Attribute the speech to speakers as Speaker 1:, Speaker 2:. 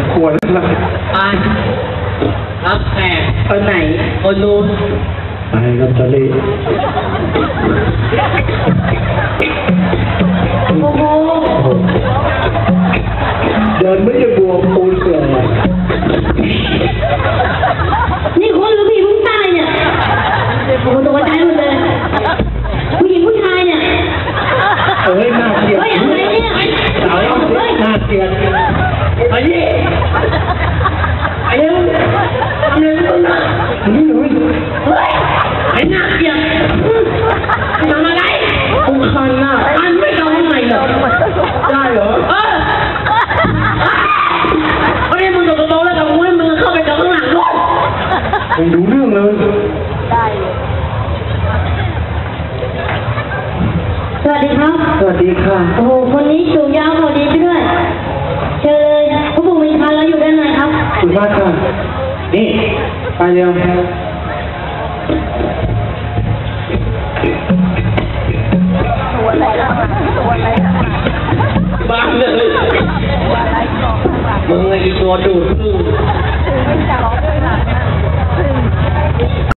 Speaker 1: กลัวแล้วนะ
Speaker 2: ไปรับแขก
Speaker 3: คนไหน
Speaker 2: คนนู้น
Speaker 1: ไปครับทะเล
Speaker 3: โอ้โห
Speaker 1: เดินไม่จะบวมปูนเสือ
Speaker 3: นี่คนหรือผู้หญิงผู้ชายเนี่ยโอ้โหตัวใจหมดเลยผู้หญิงผู้ชายเนี่ย
Speaker 1: เอ้ยน่าเกลียด
Speaker 3: เฮ้ยอะไรเนี่ย
Speaker 1: สาวน่าเกลียด
Speaker 2: ไอ้นี่ไอ้เนี่ยทำอะไรมึงอ่ะ
Speaker 1: นี่เลย
Speaker 2: เฮ้ยไอ้หน้าเกลียดทำอะไร
Speaker 1: กูคันน่ะ
Speaker 2: อันไม่ทำยังไงเหรอ
Speaker 1: ได้เหรอ
Speaker 2: เฮ้ยมึงตกกระโปรงแล้วกับมึงมึงเข้าไปกับข้างหลังด้วย
Speaker 1: มึงดูเรื่องเลย
Speaker 3: ได้สวัสดีครับ
Speaker 1: สวัสดีค่ะ
Speaker 3: โอ้โหคนนี้สูงยาวพอดีไปด้วยเชิญเลยพระผู้มีพานเราอยู่ด้านในครับ
Speaker 1: สุภาพค่ะนี่ไปเร็ว
Speaker 2: บ้าเลยมึงไอ้ตัวดูด